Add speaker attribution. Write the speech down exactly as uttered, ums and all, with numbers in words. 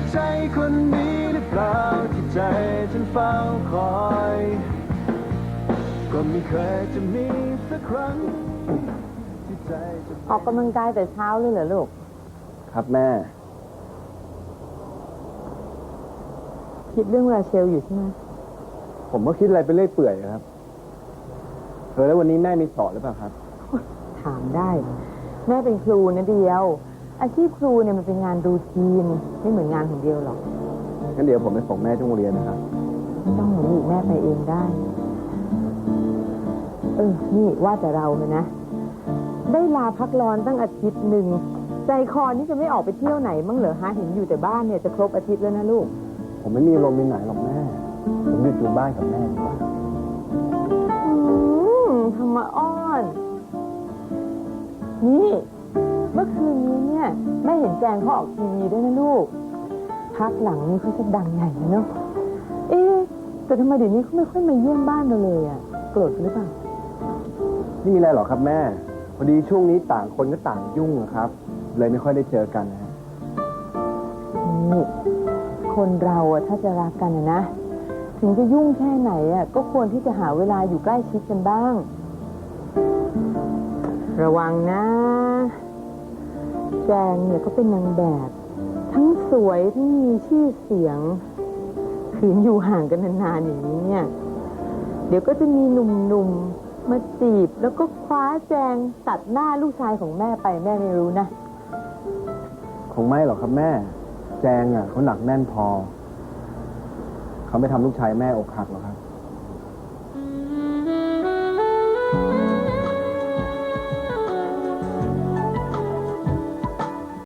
Speaker 1: ใจคนนี้หรือเปล่าที่ใจฉันเฝ้าคอยก็ไม่เคยจะมีสักครั้งที่ใจจะ
Speaker 2: ออกกำลังกายแต่เช้าเลยเหรอลูก
Speaker 1: ครับแม่
Speaker 2: คิดเรื่องราเชลอยู่ใช่ไหม
Speaker 1: ผมก็คิดอะไรไปเรื่อยเปื่อยครับเออแล้ววันนี้แม่มีสอนหรือเปล่าครับ
Speaker 2: ถามได้แม่เป็นครูนะเดียวอาชีพครูเนี่ยมันเป็นงานรูทีนไม่เหมือนงานของเดียวหรอก
Speaker 1: งั้นเดี๋ยวผมไปส่งแม่ที่โรงเรียนนะครับ
Speaker 2: ไม่ต้องหนูอีกแม่ไปเองได้เออนี่ว่าแต่เราเลยนะได้ลาพักร้อนตั้งอาทิตย์หนึ่งใจคอนี่จะไม่ออกไปเที่ยวไหนมั้งเหรอฮะเห็นอยู่แต่บ้านเนี่ยจะครบอาทิตย์แล้วนะลูก
Speaker 1: ผมไม่มีลมมีไหนหรอกแม่ผมหยุดอยู่บ้านกับแม่ดีกว่า
Speaker 2: อืมทำมาอ้อนนี่เมื่อคืนนี้เนี่ยแม่เห็นแจงเขาออกทีวีด้วยนะลูกพักหลังนี้เขาจะดังใหญ่นะเนาะเอ๊ะแต่ทำไมเดี๋ยวนี้เขาไม่ค่อยมาเยี่ยมบ้านเราเลยอ่ะโกรธหรือเปล่า
Speaker 1: ไม่มีอะไรหรอกครับแม่พอดีช่วงนี้ต่างคนก็ต่างยุ่งครับเลยไม่ค่อยได้เจอกันนะ
Speaker 2: นี่คนเราอะถ้าจะรักกันนะถึงจะยุ่งแค่ไหนอะก็ควรที่จะหาเวลาอยู่ใกล้ชิดกันบ้างระวังนะแจงเนี่ยเขาเป็นนางแบบทั้งสวยทั้งมีชื่อเสียงขืนอยู่ห่างกันนานๆอย่างนี้เนี่ยเดี๋ยวก็จะมีหนุ่มๆมาจีบแล้วก็คว้าแจงตัดหน้าลูกชายของแม่ไปแม่ไม่รู้นะ
Speaker 1: คงไม่หรอกครับแม่แจงอ่ะเขาหนักแน่นพอเขาไม่ทำลูกชายแม่อกหักหรอกครับ